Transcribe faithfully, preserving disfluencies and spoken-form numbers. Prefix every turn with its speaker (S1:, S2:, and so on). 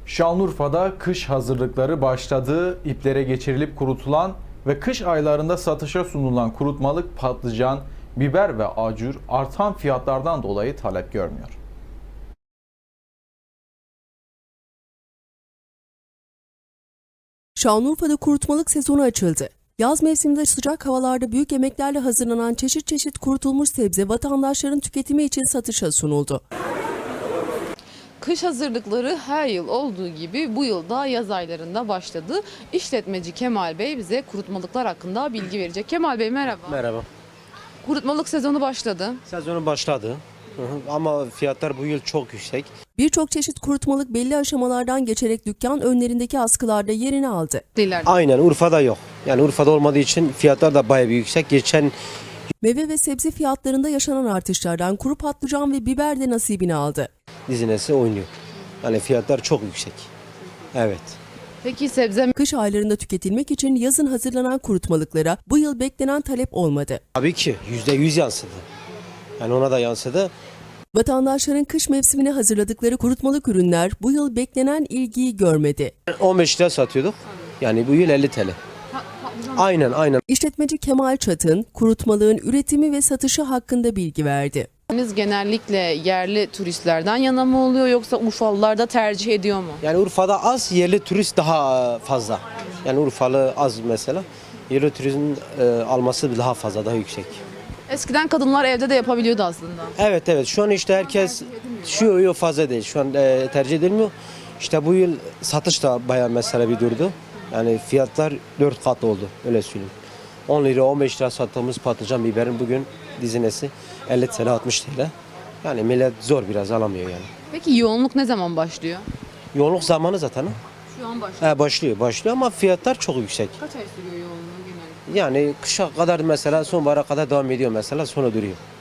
S1: Şanlıurfa'da kış hazırlıkları başladı. İplere geçirilip kurutulan ve kış aylarında satışa sunulan kurutmalık patlıcan, biber ve acur artan fiyatlardan dolayı talep görmüyor.
S2: Şanlıurfa'da kurutmalık sezonu açıldı. Yaz mevsiminde sıcak havalarda büyük emeklerle hazırlanan çeşit çeşit kurutulmuş sebze vatandaşların tüketimi için satışa sunuldu.
S3: Kış hazırlıkları her yıl olduğu gibi bu yıl da yaz aylarında başladı. İşletmeci Kemal Bey bize kurutmalıklar hakkında bilgi verecek. Kemal Bey merhaba.
S4: Merhaba.
S3: Kurutmalık sezonu başladı.
S4: Sezonu başladı. Hı hı. Ama fiyatlar bu yıl çok yüksek.
S2: Birçok çeşit kurutmalık belli aşamalardan geçerek dükkan önlerindeki askılarda yerini aldı.
S3: İleride.
S4: Aynen Urfa'da yok. Yani Urfa'da olmadığı için fiyatlar da bayağı bir yüksek. Geçen
S2: Meyve ve sebze fiyatlarında yaşanan artışlardan kuru patlıcan ve biber de nasibini aldı.
S4: dizinesi oynuyor. Yani fiyatlar çok yüksek. Evet.
S3: Peki sebze
S2: Kış aylarında tüketilmek için yazın hazırlanan kurutmalıklara bu yıl beklenen talep olmadı.
S4: Tabii ki yüzde yüz yansıdı. Yani ona da yansıdı.
S2: Vatandaşların kış mevsimine hazırladıkları kurutmalık ürünler bu yıl beklenen ilgiyi görmedi.
S4: on beş lira satıyorduk. Yani bu yıl elli T L. Aynen aynen.
S2: İşletmeci Kemal Çatın, kurutmalığın üretimi ve satışı hakkında bilgi verdi.
S3: genellikle yerli turistlerden yana mı oluyor yoksa Urfalılar da tercih ediyor mu?
S4: Yani Urfa'da az, yerli turist daha fazla. Yani Urfalı az mesela. Yerli turizmin e, alması daha fazla, daha yüksek.
S3: Eskiden kadınlar evde de yapabiliyordu aslında.
S4: Evet evet şu an işte herkes şu yok fazla değil. Şu an e, tercih edilmiyor. İşte bu yıl satış da bayağı mesela bir durdu. Yani fiyatlar dört kat oldu öyle söyleyeyim. on lira on beş lira sattığımız patlıcan biberin bugün dizinesi elli T L altmış T L. Yani millet zor biraz alamıyor yani.
S3: Peki yoğunluk ne zaman başlıyor?
S4: Yoğunluk zamanı zaten ha.
S3: Şu an başlıyor.
S4: He, başlıyor başlıyor ama fiyatlar çok yüksek.
S3: Kaç ay sürüyor yoğunluğu genellikle?
S4: Yani kışa kadar mesela sonbahara kadar devam ediyor mesela sonra duruyor.